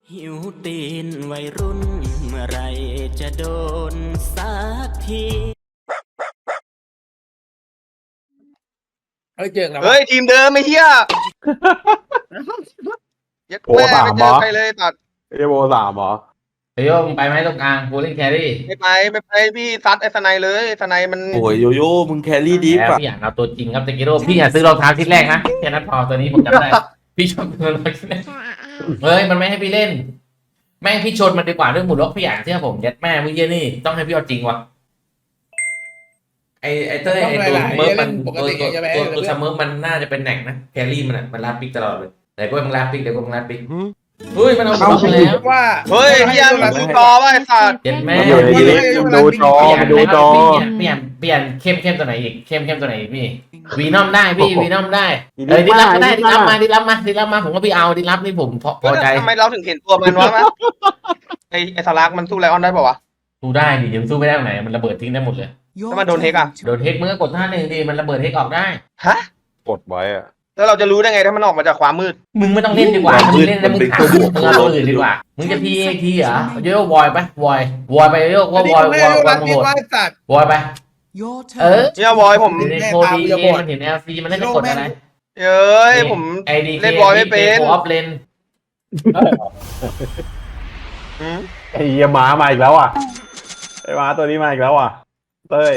หิวตีนวัยรุ่นเมื่อไรจะโดนสักทีเฮ้ยเจอแล้วเฮ้ยทีมเดิมไอ้เหี้ยยัดโอ้แม่สามไม่เหเจรออใครเลยตัดเอโวสามเหรอเฮ้ยโยมึงไปไหมตรงกลางกูเล่นแครี่ไม่ไปพี่ซัดไอ้สไนเลยไอ้สไนมันโอ้ยโยโย่มึงแครี่ดีแล้วกว่าพี่อยากเอาตัวจริงครับเตกิโร่พี่อยากซื้อรองเท้าชิ้นแรกนะแค่นั้นพอตัวนี้ผมจำได้ พี่ชอบตัวรองเท้าชิ้นแรกเฮ้ยมันไม่ให้พี่เล่น แม่งพี่ชนมันดีกว่าเรื่องหมุนล็อกพี่อยากเชื่อผมยัดแม่มึงเยี่ยนี่ต้องให้พี่เอาจริงวะไอเต้ยไอตัวเมิร์ฟมันตัวชาเมิร์ฟมันน่าจะเป็นแหน่งนะแครี่มันลาดปิกตลอดเลยแต่ก็มึงลาดปิกเดี๋ยวก็มึงลาดปิกเฮ้ยมันเอาล็อกไปแล้วว่าเฮ้ยเหี้ยมึงดูจอว่าไอ้สัตว์เจ็ดแม่มันอยู่ในนี้มันดูจอมันดูจอเปลี่ยนเข้มตัวไหนอีกเข้มตัวไหนอีกพี่วีนอมได้พี่วีนอมได้ดิลับก็ได้ดิลับมาผมก็พี่เอาดิลับนี่ผมพอใจทำไมเราถึงเห็นตัวมันวะไอ้สลักมันสู้ไลออนได้ป่าวะสู้ได้ดิยังสู้ไม่ได้ตรงไหนมันระเบิดทิ้งได้หมดเลยถ้ามันโดนเทคอะโดนเทคมึงก็กดท่าหนึ่งดิมันระเบิดเทคออกได้ฮะกดไว้อะแล้วเราจะรู้ได้ไงถ้ามันออกมาจากความมืดมึงไม่ต้องเล่นดีกว่ามึงเล่นแล้วมึงถามมึงเอาตัวอื่นดีกว่ามึงจะพีเอทีเหรอโยกวอยไปวอยไปโยกว่าวอยโหดสัตว์วอยไปเออเนี่ยบอยผมในโคดีมันเห็น LC มันน่าจะกดอะไรเอ้ยผมไอดีเล่นบอยไม่เป็นโคออฟเลนอืมไอ้เหี้ยม้ามาอีกแล้วอ่ะไอ้ม้าตัวนี้มาอีกแล้วอ่ะเต้ย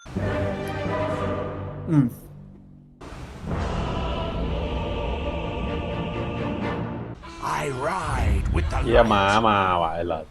เหี้ยม้ามาว่ะไอ้หลอด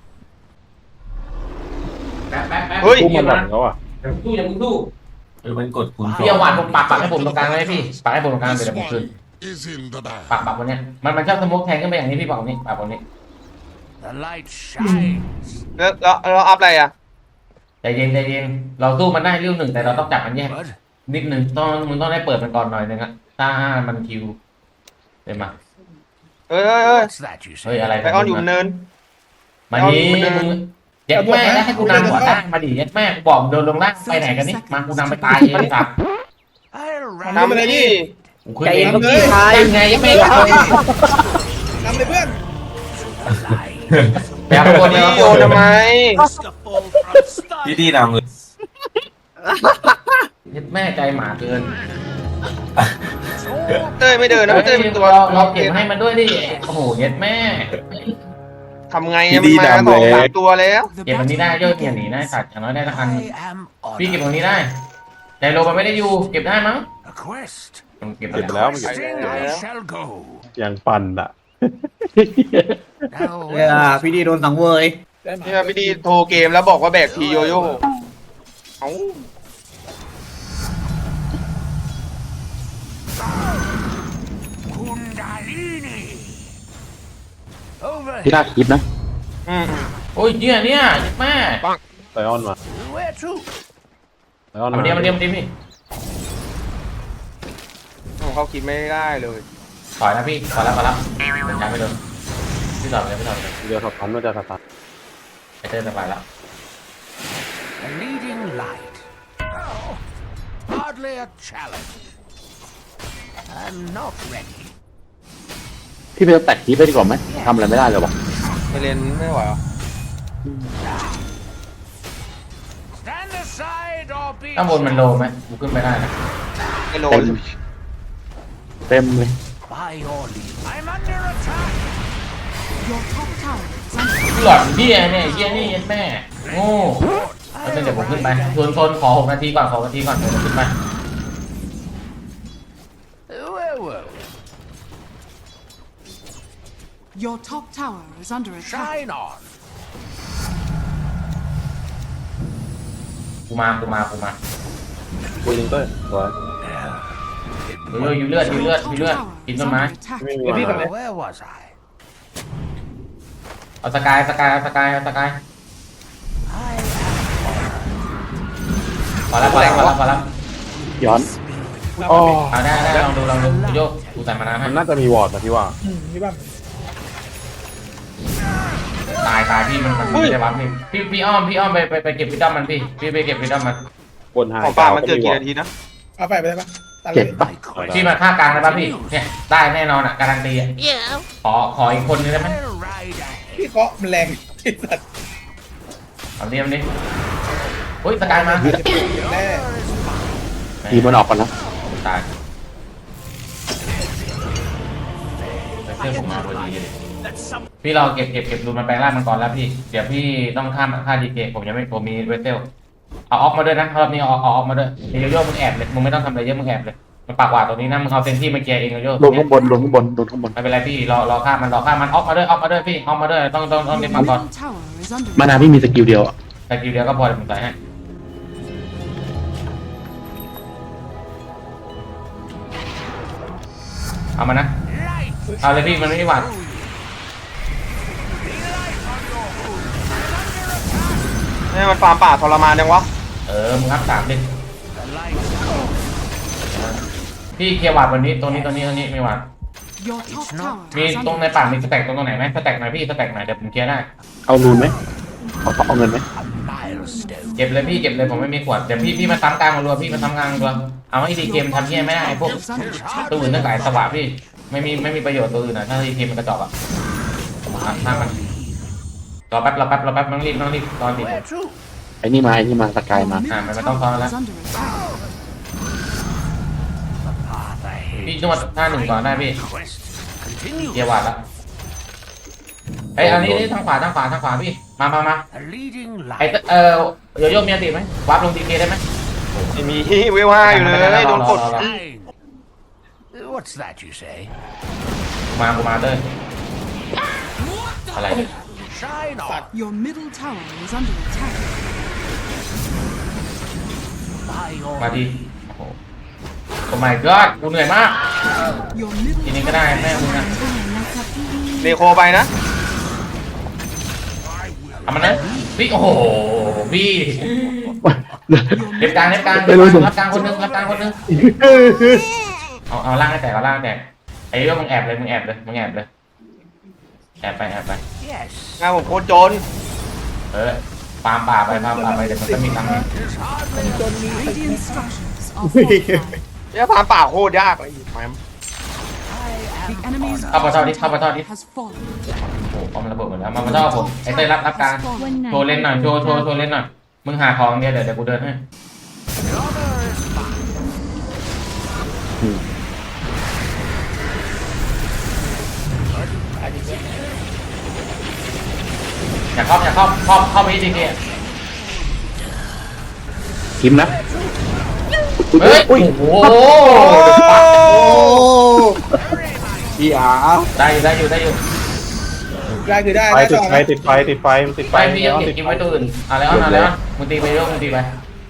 แป๊บพุ่มมันหลังเขาอ่ะสู้อย่ามึงสู้มันกดคูณสอพี่เอางหวานผมปักให้ผมตรงกลางเลยพี่ปักให้ผมตรงกลางเดี๋ยวผมขึ้น is in the bag. ปักวันเนี้ยมันชอบสโมกแทงขึ้นไปอย่างนี้พี่ปักนี้ปักวันนี้ The light shines. แล้วอัพอะไรอะใจเย็นเราสู้มันได้เรื่องหนึ่งแต่เราต้องจับมันแยก But นิดหนึ่งมึงต้องได้เปิดมันก่อนหน่อยนึงอะถ้ามันคิวเดี๋ยวมาเฮ้ย what's that you เฮ้ย say? อะไรไลออนอยู่บนเนินมาดีมึงเย็ดแม่แล้วให้กูนำหัวล่างมาดิเย็ดแม่กูบอกโดนลงล่างไปไหนกันนี่มากูนำไปตายเองครับ I'll ทำอะไรนี่กูใจเย็นก็พี่ชายไงยังไม่เคยนำเลยเพื่อนแบบคนเดียวโยนทำไมพี่ดีดาวเงินเย็ดแม่ใจหมาเกินเต้ยไม่เดินนะเต้ยเป็นตัวเราเก็บให้มันด้วยดิโอ้โหเย็ดแม่ทำไงอะมันมาสองสามตัวแล้วเก็บวันนี้ได้ยอดเกียรหนีได้สัตว์อย่างน้อยได้ละพัน I am พี่เก็บ on วันนี้ได้แต่โลมันไม่ได้อยู่เก็บได้มั้ง a quest. ต้องเก็บเก็บไปแล้วมันเก็บ Sing I shall go. ยังปั่นอ่ะ Now พี่ดีโดนสังเวยเนี่ยพี่ดีโทรเกมแล้วบอกว่าแบกทีโยโย่เอ้า Kundalini. Over พี่น่าคิดนะอืมโอ้ยเนี่ยเย็ดแม่ไลออนมา where to? ไลออนมามาเดียวพี่ผมเขาคิดไม่ได้เลยถอยนะพี่ถอยแล้วจำไม่โดนพี่ถอยเลยเดี๋ยวสตันมันจะสตันไอเต้สบายแล้ว A leading light. Oh, hardly a challenge. I'm not ready. พี่ไปแตะคีไปดีกว่าไหมทำอะไรไม่ได้เลยวะไปเรียนไม่ไหวเหรอ Stand aside or be ข้างบนมันโลไหมกูขึ้นไปได้นะไอโลเต็มเลย by your leave. I'm under attack. หลอดเบี้ยเนี่ยเบี้ยนี่ยัดแม่โง่แล้วเดี๋ยวผมขึ้นไปทนขอ6 นาทีก่อนเดี๋ยวผมขึ้นไป Well. Your top tower is under attack. Shine on. กูมาคุยลิงเต้ยสวยอยู่เลือดกินต้นไม้ไม่มีมา Where was I? เอาสกาย I am พอแล้วย้อนอ๋อเอาได้ลองดูโยกกูใส่มานาให้มันน่าจะมีวอร์ดนะพี่ว่าพี่บ้างตายพี่มันไม่ได้รับนี่พี่อ้อมไปเก็บวิดอมมันพี่ไปเก็บวิดอมมันบนไฮของปลามันเกิดกี่นาทีนะเอาไปได้ปะตัดเลเก็บยปะพี่มาฆ่ากลางได้ป่ะพี่เนี่ยได้แน่นอนอ่ะการันตีอ่ะขออีกคนนึงได้ไหม I'll ride ahead. พี่เคาะมันแรงไอ้สัตว์เอาดิมันดิเฮ้ยสกายมาแน่ทีมันออกก่อนนะตายเพื่อนผมมาพอดีเลยพี่เราเก็บรูนมันแปลงร่างมันก่อนแล้วพี่เดี๋ยวพี่ต้องฆ่าดีเกผมยังไม่ผมมีเวสเทลเอาออกมาด้วยนะรอบนี้เอาออกมาด้วยเดี๋ยวโยมึงแอบเลยมึงไม่ต้องทำอะไรเยอะมึงแอบเลยมันปากหวาดตรงนี้นะมึงเอาเซนที่มาเกียร์เองโยลงข้างบนลงข้างบนลงข้างบนไม่เป็นไรพี่รอฆ่ามันออกมาด้วยพี่ออกมาด้วยต้องเล่น Your มาก่อน middle tower is under มานาพี่มีสกิลเดียวอ่ะแต่กิวเดียวก็พอเดี๋ยวผมใส่ให้เอามานะ Light เอาเลยพี่มันไม่หวาดนี่มันฟาร์มป่าทรมานยังวะมึงอัพ3ดิ the light. พี่เคลียร์หวาดวันนี้ตรงนี้ไม่หวาด Your top tower มี is ตรง under ในป่ามีสแต็กตรงไหนไหมสแต็กหน่อยพี่สแต็กหน่อยเดี๋ยวผมเคลียร์ได้เอารูนไหมเอาเงินไหม Milestone. เก็บเลยพี่เก็บเลยผมไม่มีขวดเดี๋ยวพี่มาซ้ำกลางรัวพี่มาซ้ำกลางรัวเอาให้ดีเกมทำเหี้ยไม่ได้ไอ้พวก is under attack. ตัวอื่นตั้งหลายสวะพี่ไม่มีประโยชน์ตัวอื่นอ่ะถ้าดีเกมมันกระจอกอ่ะทางมันรอแป๊บต้องรีบตอนดิ Where to? ไอ้นี่มาสกาย Your มา middle มันต้องซ้อนแล้ว tower is under attack. Path ahead. พี่นวดท่าหนึ่งก่อนได้พี่ Quest. Continue. เกียร์หวาดแล้วเฮ้ยอันนี้ทางขวาพี่มา A leading ไอ้ light. โยโย่มีอันติไหมวาร์ปลงดีเกได้ไหมไม่มีเวล5อยู่เลยโดนกด Fine. What's that you say? กูมาเต้ยอะไรเนี่ย Shine on. Your middle tower is under attack. By your มาดีโอ้โหโอ้ my god กูเหนื่อยมาก Your middle ทีนี้ก็ได้แม่มึงนะเนโคไปนะเอามันนะพี่โอ้โหพี่ Your เล็บกลางไม่รู้สิรับกลางคนนึงเอาล่างให้แตกไอ้เรื่องมึงแอบเลยแอบไป yes. งานผมโคตรจนปาล์มป่าไปเดี๋ยวมันจะมีตังค์ Tis hardly radiant structures are fortified. เนี่ยฟาร์มป่าโคตรยากเลยแหม The enemy's เข้ามาทอดดิ has fallen. โอ้โหมันระเบิดหมดแล้วมันต้องผมไอ้เต้ยรับกลางโชว์เล่นหน่อยโชว์เล่นหน่อยมึงหาของเดี๋ยวกูเดินให้ อย่าเข้าไปจริงๆคิมนะเฮ้ย โอ้โหพี่อาได้อยู่ได้คือได้ไฟได้ต่อนะติดไฟมันติดไฟไปพี่ยังเก็บกินไว้ตัวอื่นอะไรวะมึงตีไปเรื่อยมึงตีไป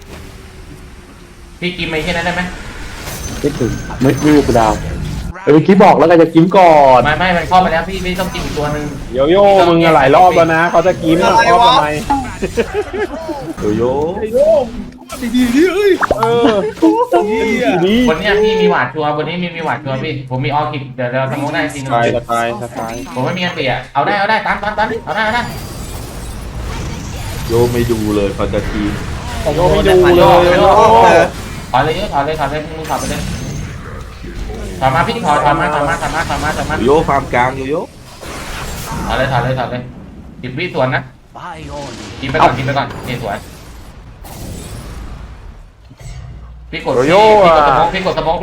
พี่กินไปแค่นั้นได้ไหมไม่ถึงไม่มีกูดาวเมื่อกี้บอกแล้วกันจะกิมก่อนไม่มันเข้าไปแล้วพี่ไม่ต้องกินอีกตัวนึงโยโย่มึงอะหลายรอบแล้วนะเขาจะกินอ่ะรอบทำไมโยโย่ดีๆดิเอ้ยเออดีวันนี้พี่มีหวาดชัวร์วันนี้มีหวาดชัวร์พี่ ผมมีออคิดเดี๋ยวเราสมมติได้จริงสกายผมไม่มีอันเตียเอาได้ตามเอาได้โยไม่ดูเลยเขาจะทีมโยไม่ดูเลยถอยเลยมึงถอยไปเลยถอยมาพี่ถอยมาโยโย่ฟาร์มกลางโยโย่ถอยเลย10 วิสวนนะ by your กินไปก่อนนี่สวยพี่กดสมอง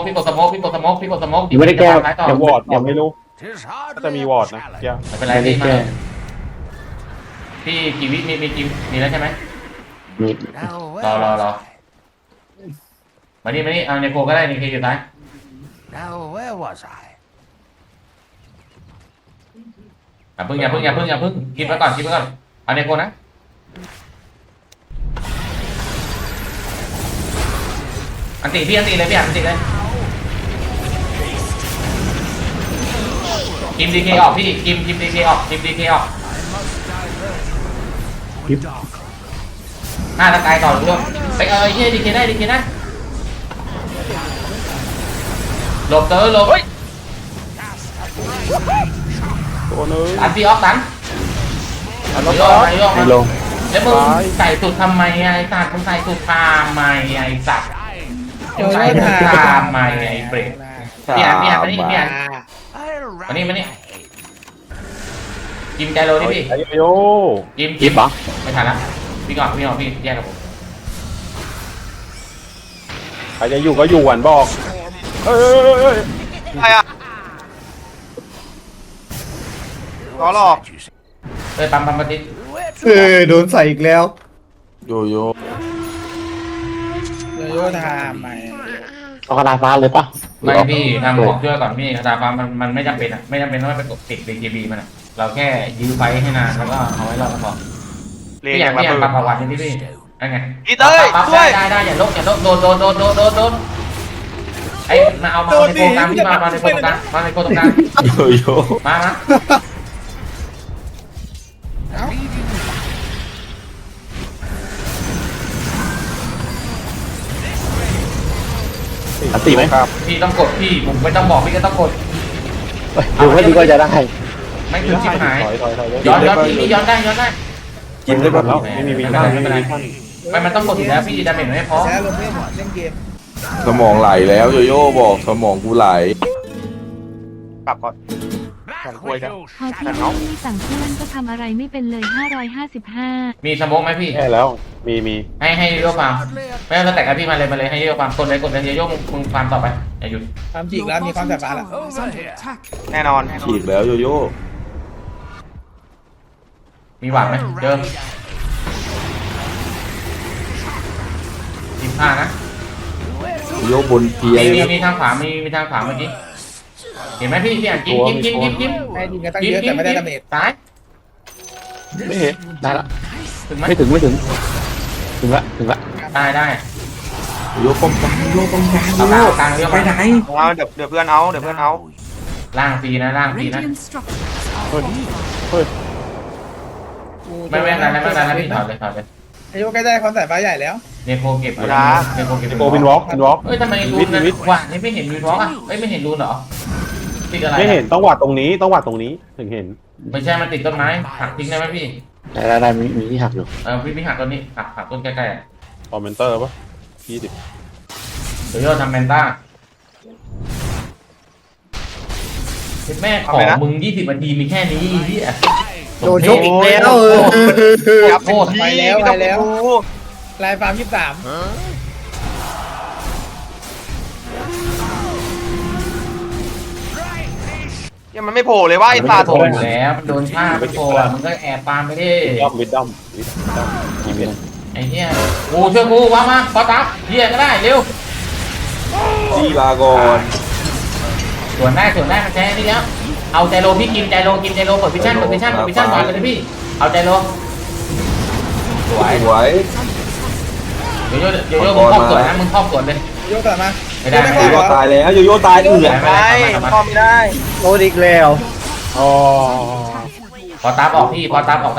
ยังไม่ได้แก้อย่าวอร์ดยังไม่รู้ tis จะ hardly มี a วอร์ดนะ challenge. เดี๋ยวไม่เป็นไรไม่ได้พี่มาแก้พี่กี่วิมีแล้วใช่ไหมมี Now รอ where was I? มานี่เอาในโคก็ได้ในเคอยู่ท้าย Now where was I? อย่าพึ่งกินไปก่อนเอาในโคนะอันติเลยพี่อันติเลยกิมดีเคออกพี่กิมดีเคออกหน้าตะกายต่อด้วยไปเฮียดีเคได้นะหลบหลบตัวนึงตันพี่ออฟตันอันล็อกโยกไม่ลงแล้วมึงใส่สุดทำไมไอ้สัตว์มึงใส่สุดทำไมไอ้สัตว์มึงใส่สุดทำไมไอ้เบรกพี่อ่าน I'll มานี่ rally มานี่ ahead. กิมใจโลนี่พี่ไอ้โยกิมคลิปเหรอไม่ทันละพี่ก่อนพี่แยกกับผมใครจะอยู่ก็อยู่หวันบอกเอ้ยใครอ่ะล้อหลอกเฮ้ยปั๊มปฏิโดนใส่อีกแล้วโยโย่โยโย่ทำไหมเอากระดาษฟ้าเลยปะไม่พี่ทำของช่วยก่อนพี่คาถาฟ้ามันไม่จำเป็นอ่ะไม่จำเป็นต้องไปกดติด BKB มันอ่ะเราแค่ยื้อไฟให้นานแล้วก็เอาไว้รอดก็พอเรียพี่อยากระเบิดปรับประวัตินี่พี่นั่นไงอีเต้ยปั๊บช่วยได้อย่าลกโดนไอ้มาเอาในโกงกลางพี่มาในโกงกลางโยโย่มาอันตีไหมครับพี่ต้องกดพี่ผมไม่ต้องบอกพี่ก็ต้องกดดูให้ดีก็จะได้ไม่ถึงชิบหายถอยย้อนพี่ย้อนได้กินได้หมดแล้วไม่มีท่านไม่มีท่านไม่มันต้องกดอยู่แล้วพี่ดาเมจไม่พอแพ้ลงเล่นเกมสมองไหลแล้วโยโย่บอกสมองกูไหลปรับก่อนพอพี่ไม่สั่งเพื่อนก็ทำอะไรไม่เป็นเลย555 มีสมองไหมพี่แค่แล้วมีให้โยกฟาร์มไม่ต้องแต่กับพี่มาเลยให้โยกฟาร์มกดเลยโยกมึงฟาร์มต่อไปอย่าหยุดทำจริงแล้วมีความสามารถละ Is under attack. แน่นอนฉีกแล้วโยโย่มีหวังไหมเจอ15นะโยโย่บนเทียร์เลยนะมีทางขวามีทางขวาเมื่อกี้เห็นไหมพี่อ่ะจิ้มให้ทีมกันตั้งเยอะแต่ไม่ได้ดาเมจซ้ายไม่เห็นได้ละถึงไหมไม่ถึงถึงละได้โยโย่ป้องกันโยโย่ป้องกันโยเอาโย่กลางเรียกไปมาไหนเอาเดี๋ยวเพื่อนเอาล่างฟรีนะ Radiant structures are fortified. ไม่ได้นะพี่ถอดเลยโยโย่ใกล้ได้ความสามารถใหญ่แล้วเนโคเก็บโกวินวอล์กเอ้ยทำไมรูนว่านี่ไม่เห็นรูนวอล์กอ่ะไม่เห็นรูนเหรอติดอะไรไม่เห็นต้องวัดตรงนี้ถึงเห็นไม่ใช่มันติดต้นไม้หักทิ้งได้ไหมพี่ได้มีที่หักอยู่พี่หักต้นนี้หักต้นใกล้คอมเมนเตอร์ปะ20 ๆเดี๋ยวโยทำแมนต้าแม่ของมึง20 นาทีมีแค่นี้ที่อ่ะโดนยกอีกแล้วยับโคตรไปแล้วดูลายฟาร์ม23 ยังมันไม่โผล่เลยว่าไอ้สัตว์โผล่แล้วมันโดนฆ่าไปโผล่มึงก็แอบปาไม่ได้วิดดัมกี่เม็ดไอ้เหี้ยกูช่วยกูว่ามาพอตับเหี้ยก็ได้เร็วจีลาก่อนส่วนได้มันแท้นี่แล้วเอาใจโลพี่กินใจโลเปิดพิชชั่นก่อนเลยพี่เอาใจโลสวยสวยเดี๋ยวมึงครอบสวนนะมึงครอบสวนเลยโยโย่กลับมาไม่ได้โยโย่ตายแล้วโยโย่ตายเอือไม่พอไม่ได้โดนอีกแล้วอ๋อพอตาออกพี่พอตาออกได้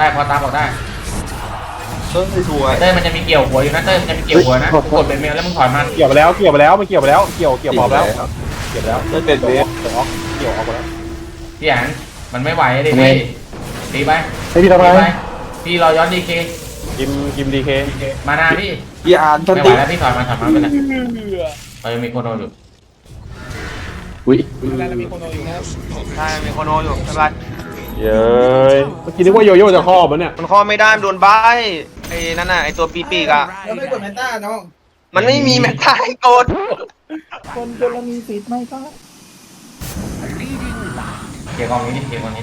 เต้ยสวยเต้ยมันจะมีเกี่ยวหัวอยู่นะเต้ยมันจะมีเกี่ยวหัวนะกดเป็นเมลแล้วมึงถอยมาเกี่ยวไปแล้วมันเกี่ยวพอแล้วเกี่ยวแล้วเกี่ยวออกแล้วเต้ยเป็นเบสเกี่ยวออกแล้วพี่อันมันไม่ไหวเลยพี่ตีไปให้พี่ทำอะไรพี่รอย้อนดีเคกิมดีเคมานาพี่พี่อ่านทันไม่ไหวติแล้วพี่ถอยมาไปเลยยังมีโคโนอยู่อุ้ยแล้วมีคนโดนอยู่นะใช่มีโคโนอยู่ไม่เป็นไรเย้ยเมื่อกี้นึกว่าโยโย่จะครอบมันเนี่ยมันข้อไม่ได้มันโดนใบไอ้นั่นน่ะไอ้ตัวปีกๆอ่ะแล้วไม่กดแมนต้าน้องมันไม่มีแม็กไทยกดคนเรามีสิทธิ์ไหมก็เกี่ยวกองนี้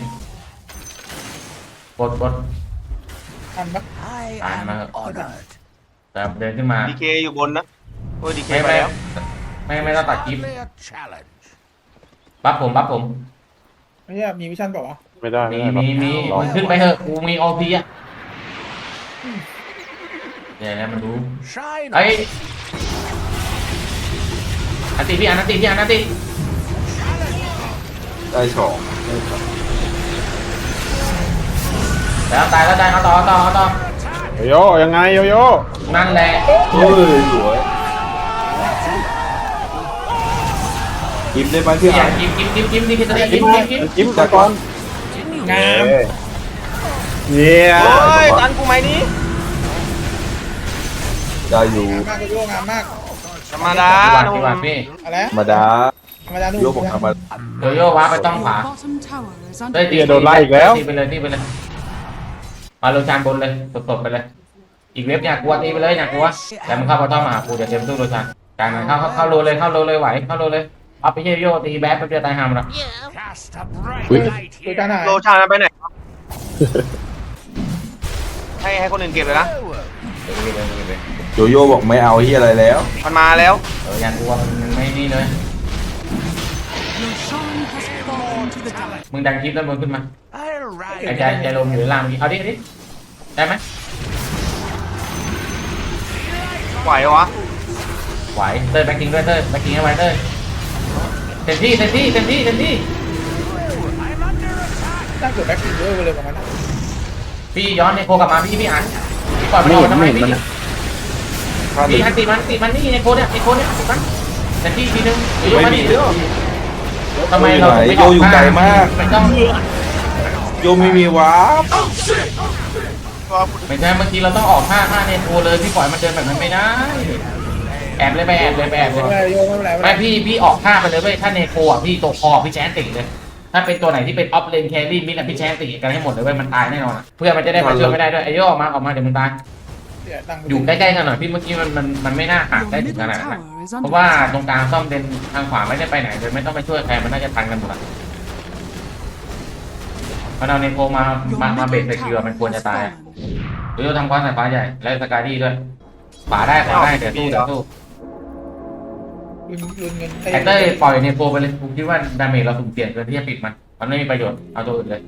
กดทันปะ I am honored. แต่เดินขึ้นมาดีเคอยู่บนนะโอ้ยดีเคไม่ไปแล้วไม่ต้องตัดคลิป Hardly a challenge. บัฟผมไม่ใช่มีวิชั่นเปล่าวะไม่ได้มีมึงขึ้นไปเถอะกูมีโอพีอ่ะเดี๋ยวนะมันรู้ Shine ไอ้อันติได้สองแล้วตายเอาต่อโยโย่ยังไงโยโย่นั่นแหละเฮ้ยสวยกิมได้ไหมพี่พี่ออ่าย่าน กิมนี่คือตัวนี้กิมจิ้มตะกอนงามเนี่ยโอ้ยตันกูไหมนี้ได้อยู่งามมากโยโย่งามมากธรรมดาพี่วานพี่อะไรธรรมดาธรรมดาดูโยบอกทำมาโยโย่ว้าไปต้องขวา Bottom tower is เฮ้ย under ตีโดนไล่อีกแล้วตีไปเลยตีไปเลยมาโรชานบนเลยสดๆไปเลย อีกเว็บอยากกลัวตีไปเลยอยากกลัวแต่มึงเข้ามาต้องมาหากูเดี๋ยวเต็มตู้โรชานการมันเข้าโลเลยไหวเข้าโลเลยเอาไปเยโย่ตีแบ๊บไปเดียวตายหามละ Cast a bright Wait. light ดู here. จานหายโลชานมันไปไหนครับให้คนอื่นเก็บเลยนะโยโย่บอกไม่เอาที่อะไรแล้วมันมาแล้วอยากกลัวมันไม่นี่เลย Roshan has fallen to the dark. มึงดังคลิปแล้วมึงขึ้นมา I'll ไอ้ ride ใจลมอยู่ในล่างเอาดิได้ไหมไหววะไหวเต้ยแบ็คกิ้งด้วยเต้ยแบ็คกิ้งให้ไวเต้ยเต็มที่น่าเกิดแบ็คทีเยอะไปเลยประมาณนั้นพี่ย้อนในโคกลับมาพี่อ่านพี่ปล่อยมันออกทำไมพี่พี่อันติมันนี่ในโคเนี่ยติดมันแต่ที่ทีนึงโยมาดิทำไมเราไม่ออกไม่ต้องโยไม่มีวาร์ปไม่ใช่เมื่อกี้เราต้องออกท่าในโคเลยพี่ปล่อยมันเดินแบบนั้นไม่ได้แอบเลยไปแอบเลยไม่เป็นไรโยไม่เป็นไรไม่พี่ออกท่าไปเลยเว้ยถ้าในโคอ่ะพี่ตัวคอพี่แชนติเลย ถ้าเป็นตัวไหนที่เป็นออฟเลนแครี่มิดอะพี่แชนติกันให้หมดเลยเว้ยมันตายแน่นอนเพื่อมันจะได้มาช่วยไม่ได้ด้วยไอ้โยออกมาเดี๋ยวมึงตายอยู่ใกล้ๆกันหน่อยพี่เมื่อกี้มันไม่น่าหัก Your ได้ถึง middle ขนาดนั้น tower is เพ under ราะว่า attack. ตรงกลางซ่อมเลนทางขวาไม่ได้ไปไหนเลยไม่ต้องไปช่วยใครมันน่าจะทันกันหมดอะมันเอาในโคมา Your เบรก middle สกิล tower มันควรจะ has ตาย fallen. โยทำความสายฟ้าใหญ่แล้วสกายดี้ด้วยขวาได้เดี๋ยวสู้ลุนเงินไอเต้ยปล่อยในโคไปเลยผมคิดว่าดาเมจเราสุ่มเปลี่ยนเกินที่จะปิดมันไม่มีประโยชน์เอาตัวอื่นเลย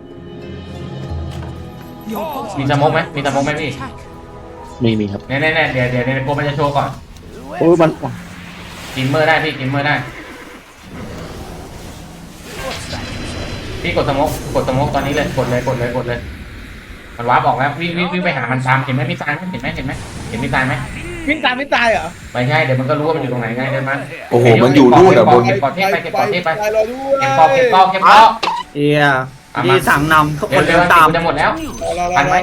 Your bottom มีสโมกไหม tower มีสโมกไหม is พี่ under attack. มีครับแน่ๆเดี๋ยวในโคมันจะโชว์ก่อนโอ้ยมันกิมเมอร์ได้พี่กิมเมอร์ได้พี่กดสโมกตอนนี้เลยกดเลยมันวาร์ปออกแล้ววิ่งไปหามันตามเห็นไหมมีทรายไหมเห็นมีทรายไหมวิ่งตามไม่ตายเหรอไม่ใช่เดี๋ยวมันก็รู้ว่ามันอยู่ตรงไหนไงเดินมาโอ้โหมันอยู่นู่นอ่ะบนเก็บกอดเทพไปเก็บกอดเทพไปตายรอด้วยเก็บกอเอียดีสั่งนำทุกคนเร็เดิวนตามจะหมดแล้วทันไหม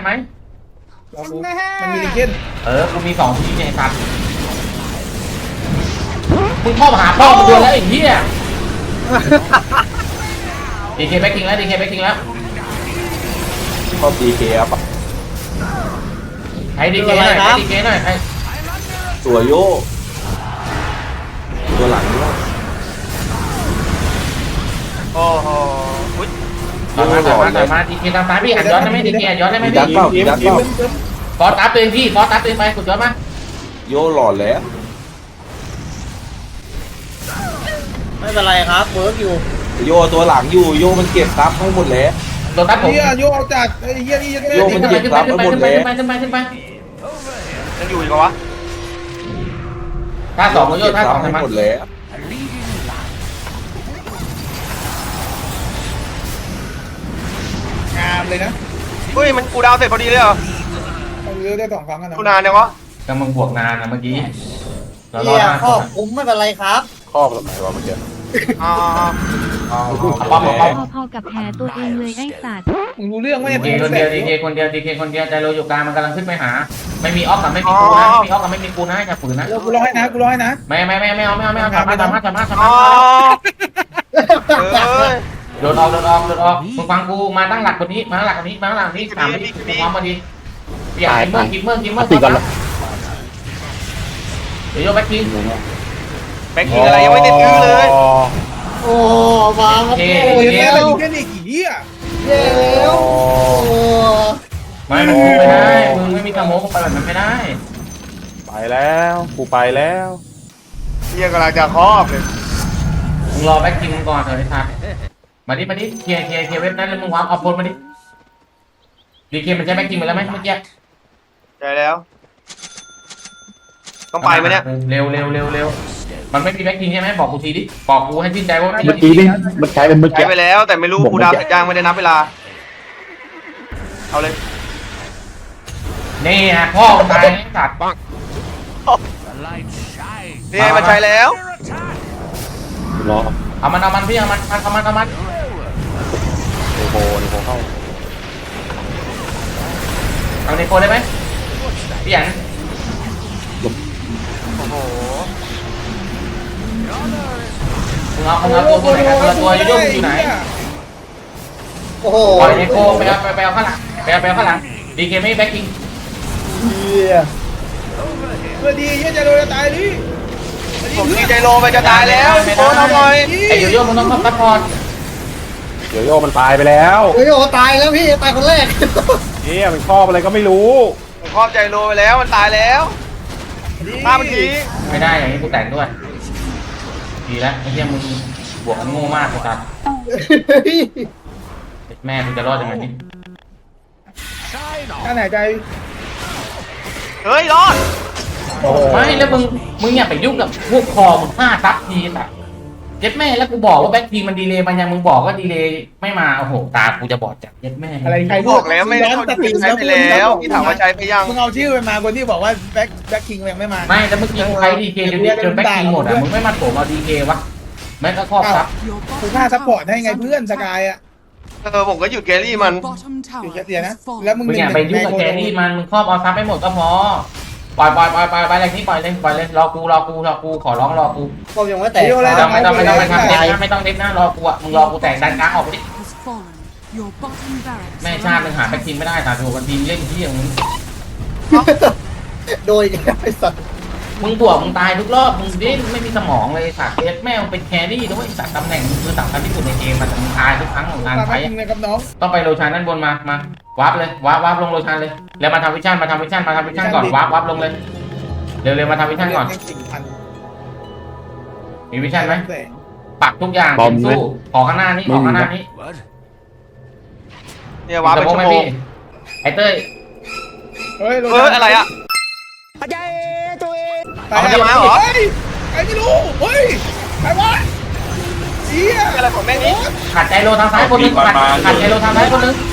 มันมีลิงเก้นกูมี2ทีเนี่ยสัตว์มึงเข้ามาหาพ่อมึงโดนแล้วไอ้เหี้ยดีเคแบ็คกิ้งแล้วชอบดีเคอัพอะให้ดีเคหน่อยให้ตัวโยตัวหลังด้วยโอ้โหอุ๊ยต่อมาดีเคตามซ้ายพี่หันย้อนได้ไหมดีเคย้อนได้ไหมดักพี่เปล่าดักเปล่าฟอสตับตัวเองพี่ฟอสตับตัวเองไปกดย้อนมาโยหลอดแล้วไม่เป็นไรครับเวิร์กอยู่โยตัวหลังอยู่โยมันเก็บซับให้หมดแล้วโดนตับผมเฮียโยเอาจัดไอ้เฮียนี่ยังไม่โยมันเก็บซับให้หมดแล้วขึ้นไปยังอยู่อีกเหรอวะท่าสองโยท่าสองให้ทำไมหมดแล้วงามเลยนะเฮ้ยมันกูดาวเสร็จพอดีเลยเหรอเอาเยอะได้2 ครั้งกันนะกูนานยังวะกำลังบวกนานนะเมื่อกี้เรารเอีอยครอบคุ้มไม่เป็นไรครับครอบแบบไหนวะเมื่อกี้อ่าป้อมพอๆกับแผลตัวเองเลยไอ้สัตว์มึงรู้เรื่องไหมดีเคคนเดียวใจโรอยู่กลางมันกำลังขึ้นไปหาไม่มีออฟกับไม่มีกูนะอย่าฝืนนะกูรอให้นะไม่เอาทำมาอ๋อเอ้ยโดนออกมึงฟังกูมาตั้งหลักคนนี้มาหลักนี้ถามดิพร้อมมาดิเปลี่ยนกิมเมอร์ติดก่อนละเดี๋ยวโยแบ็คคิงแบ็คกิ้งอะไรยังไม่ได้ซื้อเลยโอ้มาครับเคโอ้ยแม่ไปลิงเก้นอีกเฮียเร็วโอ้ไม่มันไม่ได้มึงไม่มีสโมกไปแบบนั้นไม่ได้ไปแล้วกูไปแล้วเฮียกำลังจะครอบเลยมึงรอแบ็คคิงก่อนเถอะไอ้ทัศมาดิเคลียร์เว็บนั้นแล้วมึงวางเอาโพลมาดิดีเคมันใช้แบ็คคิงไปแล้วไหมเมื่อกี้ใจแล้ว ต้องไปไหมเนี่ยเร็วมันไม่มีแบ็คคิงใช่ไหมบอกกูทีดิบอกกูให้ชื่นใจว่าเมื่อกี้นี่มันใช้เป็นเมื่อใช้กี้ไปแล้วแต่ไม่รู้กูดาวเสร็จยังไม่ได้นับเวลา เอาเลยนี่ฮะพ่อตายสัตว์ The light shines. นี่ไงมันใช้แล้วรอเอามันพี่เอามันโอ้โหนี่ผมเข้าเอาในโคได้ไหมพี่อันโอ้โหมึงเอาตัวไหนกันตัวโยโย่มึงอยู่ไหนโอ้โหปล่อยไอโคไปเอาข้างหลังไปเอาข้างหลังดีเคไม่แบ็คกิ้งเหี้ยเพื่อดีเฮียจะโดนจะตายดิผมดีใจโลไปจะตายแล้วโค้ชเอาหน่อยไอโยโย่มึงต้องซัพพอร์ตโยโย่มันตายไปแล้วโอ้โหตายแล้วพี่ตายคนแรกเนี่ยมันชอบอะไรก็ไม่รู้ผมครอบใจโลไปแล้วมันตายแล้วตามทีไม่ได้อย่างนี้กูแต่งด้วยดีแล้วไอ้เหี้ยมึงบวกกันโง่มากเลยครับแม่กูจะรอดยังไงนี่ท่านหายใจเฮ้ยรอดไม่แล้วมึงอย่าไปยุ่งกับพวกคอมึงฆ่าซับทีแบบเย็ดแม่แล้วกูบอกว่าแบ็คทีมันดีเลยมันยังมึงบอกว่าดีเลยไม่มาโอ้โหตากูจะบอดจัดเย็ดแม่อะไรใครบอกแล้วไม่ได้เขาใช้ไปแล้วพี่ถามว่าใช้ไปยังมึงเอาชื่อไปมาคนที่บอกว่าแบ็คคิงยังไม่มาไม่แล้วเมื่อกี้กูใช้ดีเคจนแบ็คทีหมดอ่ะมึงไม่มาโถมเอาดีเควะแม่งก็ครอบซับ Your กู bottom ฆ่าซัพพอร์ต tower ให้ไง is เพื่อน under ส attack. กายอ่ะผมก็หยุดแกรี่มัน Your bottom อยู่ tower แค่เสียนะ has fallen. แล้วมึงมึงอย่าไปยุ่งกับแกนี่มันมึงครอบเอาซับไปหมดก็พอปล่อยอะไรนี้ปล่อยเลยรอกูขอร้องรอกูก็ยังไม่แตกไม่ต้องเด็ดนะรอกูอ่ะมึงรอกูแตกดันกลางออกไปดิ Has fallen. Your bottom barracks แม่ are ชาติ under มึงหาแบ็คทีมไม่ได้ตาถูกกันทีมเล่นที่อย่างมึงโดยไอ้สัตว์มึงบวกมึงตายทุกรอบมึงดิ้นไม่มีสมองเลยสัตว์เอสแม่งเป็นแครี่ด้วยสัตว์ตำแหน่งมึงคือสำคัญที่สุดในเกมมันแต่มึงตายทุกครั้งของการแบ็คใช้คิงเลยครับน้องต้องไปโรชานด้านบนมาวาร์ปเลยวาร์ปลงโรชานเลยแล้วมาทำวิชั่นก่อนวาร์ปลงเลยเร็วมาทำวิชั่นก่อนมีวิชั่นไหมปักทุกอย่างเต็มสู้ขอข้างหน้านี้ What? เนี่ยว้าเป็นชั่วโมงไอเต้ยเฮ้ยอะไรอ่ะตายเอามาเหรอเฮ้ยใครไม่รู้เฮ้ยใครวะเฮียอะไรของแม่งนี้ขัดใจโลทางซ้ายคนนึงขัดใจโลทางซ้ายคนนึง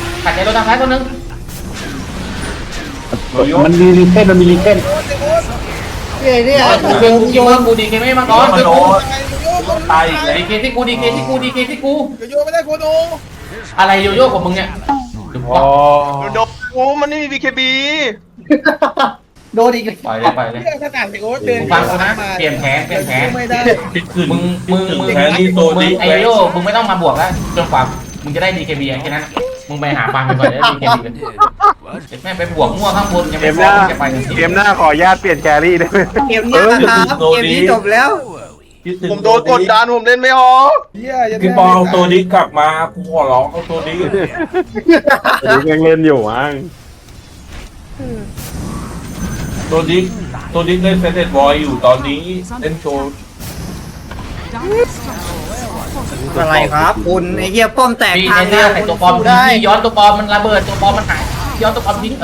มันมีรีเทนโอ้ยเนี่ยกูโยนกูดีเคไม่มาก่อนโยตายดีเคที่กูโยไม่ได้โคโนอะไรโยโย่ของมึงเนี่ยอ๋อโดนกูมันไม่มี BKB โดนอีกปล่อยเลยเฮียขนาดโอ้เดินฟังกูนะเปลี่ยนแผนไม่ได้มึงไอโยมึงไม่ต้องมาบวกแล้วจนกว่ามึงจะได้ดีเคบีแค่นั้นมึงไปหาฟังไปก่อนได้ดีเคบีแม่ไปบวกมั่วข้างบนยังเกไม่มพหอน้าจะไปถึงเกมหน้าขออนุญาตเปลี่ยนแครี่ได้ไหมเกมนี้นะครับเกมนี้จบแล้วผมโดนกดดันผมเล่นไม่ออกเฮียพี่ปอเอาตัวนี้กลับมากูขอร้องเอาตัวนี้ยังเล่นอยู่มั้งตัวนี้เล่นเซนเตอร์บอยอยู่ตอนนี้เล่นโชว์ Dire structures. อะไรครับคุณไอ้เหี้ยป้อมแตกพี่ทางในใส่ตัวปลอมพี่ย้อนตัวปลอมมันระเบิดตัวปลอมมันหายย้อนตัวปลอมทิ้ง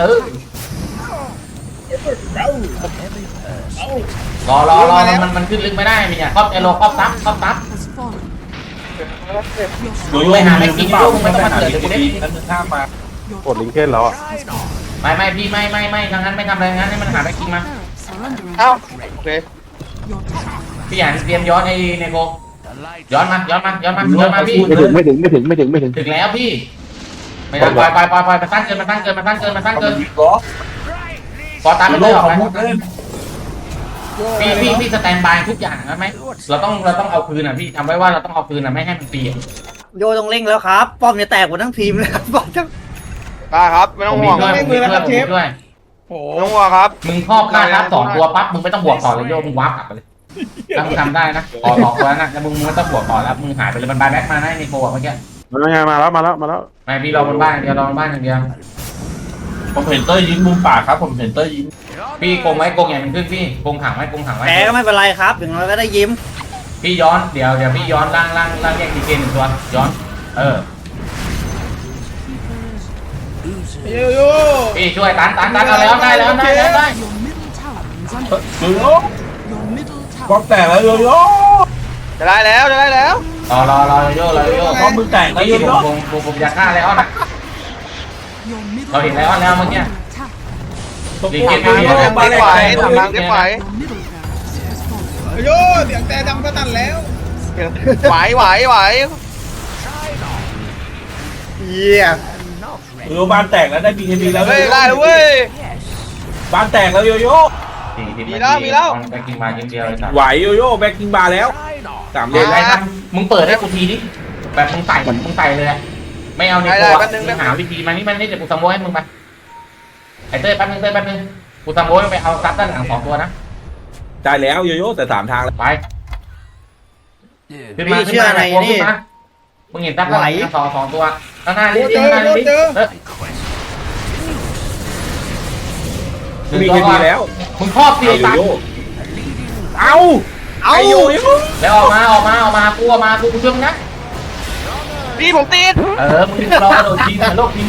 รอมันขึ้นลึกไม่ได้มีอ่ะครอบไอโลครอบซับ Has fallen. โยโย่ไม่หาแม็กกิ้งโยมึงไม่ต้องมาเกิดเลยกูได้นั่นคือข้ามมา Your กดลิงเคนแล้วอ่ะไม่พี่ไม่ทางนั้นไม่ทำอะไรงั้นให้มันหาแม็กกิ้งมา barracks are under เอ้า attack. โอเค Your top พี่อยากเตรียมย้อนไอ้เนโก The light ย้อนมาพี่ไม่ถึงไม่ถึงถึงแล้วพี่ไม่ได้ปล่อยมาตั้งเกินวิเคราะห์พอตามโยไม่โย่ได้ออกเขาไหมพูดเล่นพี่สแตนบายทุกอย่างนะไหมเราต้องเอาคืนอ่ะพี่ทำไว้ว่าเราต้องเอาคืนอ่ะไม่ให้มันเปลี่ยนโยต้องเร่งแล้วครับ ป้อมจะแตกหมดทั้งทีมเลยครับป้อมจะได้ครับไม่ต้องห่วงด้วยโอ้ไม่ต้องห่วงครับมึงครอบค่าทับ2ตัวปั๊บมึงไม่ต้องบวกต่อเลยโยมึงวาร์ปกลับไปเลยถ้ามึงทำได้นะขอ2ตัวนะแล้วมึงไม่ต้องบวกต่อแล้วมึงหายไปเลยมันบายแบ็คมาได้ในโกะเมื่อกี้มาแล้วไม่พี่รอบนบ้านอย่างเดียวรอบนบ้านอย่างเดียวผมเห็นเตอร์ยิงมุมปากครับผมเห็นเตอร์ยิงพี่โกงไว้โกงใหญ่มันขึ้นพี่โกงขังไว้แพ้ก็ไม่เป็นไรครับถึงเราก็ได้ยิ้มพี่ย้อนเดี๋ยวพี่ย้อนล่างแยกดีเกนหนึ่งตัวย้อนโยพี่ช่วยตันเอาแล้วได้ Your middle tower is under โยโย่ Your middle ก็ tower แตกแล้วโยโย่จะได้แล้วรอโยก็มือแตกแล้วโยโย่ผมอยากฆ่าแล้วนะ Your middle เราเห็นแล้วแล้วเมื่อกี้ attack. ดีเกนทางเก็บไหวทางเก็บไหว Your middle barracks has fallen. โยเสียงแต่ดังสนั่นแล้วไหวเยี่ยโยโย่บ้านแตกแล้วได้ BKB แล้วเฮ้ยได้แล้วเว้ยบ้านแตกแล้วโยโย่มีแล้วแบ็คกิ้งมาเดียวเลยสัตว์ไหวโยโย่แบ็คกิ้งบาร์แล้ว Try train off. 3 เดี๋เดืยอวน ไอ้ทำมึงเปิดให้กูทีดิแบบมึงใส่เลยอะไม่เอาในตัวมึงหาวิธีมานี่มันนี่เดี๋ยวกูซัมโบให้มึงไปไอ้เต้ยแป๊บนึงกูซัมโบให้ไปเอาซับด้านหลัง2 ตัวนะจ่ายแล้วโยโย่แต่3 ทางแล้วไปขึ้นมาขึ้นมามึงเห็นซับด้านหลัง2 ตัวข้างหน้าลิขึ้นมาลิมีแค่นี้แล้วมึงครอบตีโยตันโย่เอาโยโย่แล้วออกมากูช่วยมึงนะพี่ผมติดมึงรอกระโดดทีนะโลกที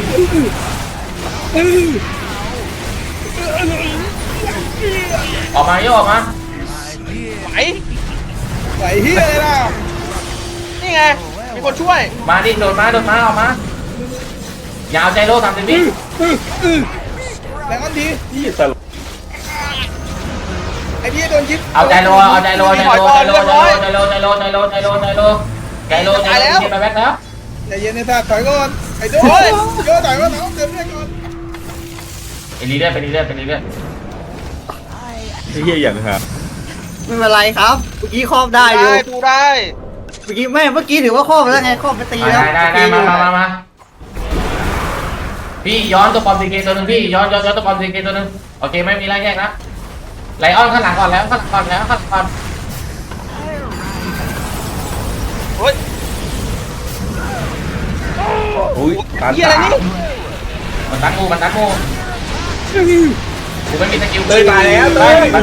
ออกมาโยออกมาไหวไหวเฮียเลยล่ะนี่ไงมีคนช่วยมาดิโดดมาออกมายาวใจโล30 วิแรงอันทีพี่ตลกไอ้พี่โดนยิบเอาใจโลใจโลไปแบ็คแล้วใจเย็นในท่าถอยก่อนไอ้โดนโยถอยก่อนน้องเติมเลือดก่อนไปเรื่อยไอ้เหี้ยอย่างครับไม่เป็นไรครับเมื่อกี้ครอบได้อยู่ได้ดูได้เมื่อกี้ถือว่าครอบแล้วไงครอบไปตีแล้วได้มาพี่ย้อนตัวปอมซีเกตัวนึงพี่ย้อนตัวปอมซีเกตัวนึงโอเคไม่มีไรแยกนะไลออนข้างหลังก่อนแล้วข้างหลังเฮ้ยอุ้ยตานเฮียอะไรนี่มันตัดงูกูไม่มีสกิลเลยตายแล้วเลยมา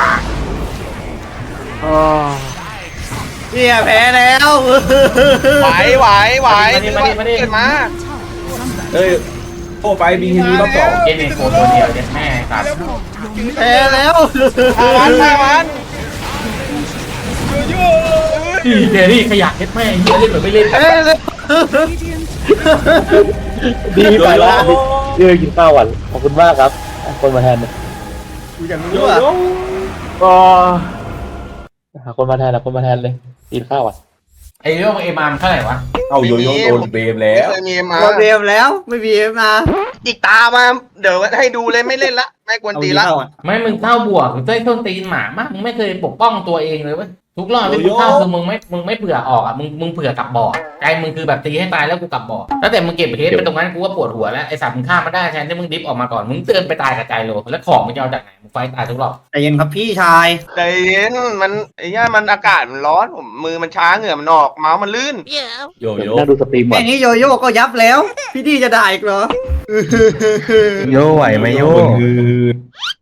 เฮียแพ้แล้วไหวเกิดมาเอ้ยโอ้ไปมีแค่นี้รอบ2 เจนเนโคตัวเดียวเจ็ดแม่ครับแพ้แล้วฆ่ามันโยเจนี่ขยะเจ็ดแม่เฮียเล่นหรือไม่เล่นแพ้แล้วดีไปแล้วเดี๋ยวกินข้าววันขอบคุณมากครับคนมาแทนเนี่ยกูอยากรู้โยว่าโย่ก็หาคนมาแทนเลยกินข้าววันไอ้เรื่องไอ้มามเท่าไหร่วะเอาโยโย่โดนเบมแล้ไม่วเคยมีมาโดนเบมแล้วไม่มีเอฟมาอีกตามาเดี๋ยวให้ดูเลยไม่เล่นละไม่กวนตีละไม่มึงเข้าบวกเต้ยต้นตีนหมามากมึงไม่เคยปกป้องตัวเองเลยเว้ยทุกรอบที่มึงเข้าคือมึงไม่เผื่อออกอ่ะมึงเผื่อกลับบ่อใจมึงคือแบบตีให้ตายแล้วกูกลับบ่อแล้วแต่มึงเก็บเฮดไปตรงนั้นกูก็ปวดหัวแล้วไอ้สัตว์มึงฆ่ามาได้แทนที่มึงดิฟออกมาก่อนมึงเตือนไปตายกับใจโลแล้วของมึงจะเอาจากไหนมึงไฟตายทุกรอบแต่ยังครับพี่ชายใจเย็นมันไอ้ย่ามันอากาศมันร้อนผมมือมันช้าเหงื่อมันออกเมาส์มันลื่นโยโย่น่าดูสตรีมก่อแค่นนี้โยโย่ก็ยับแล้ว พี่ดีจะด่าอีกเหรอโยไหวไหมโย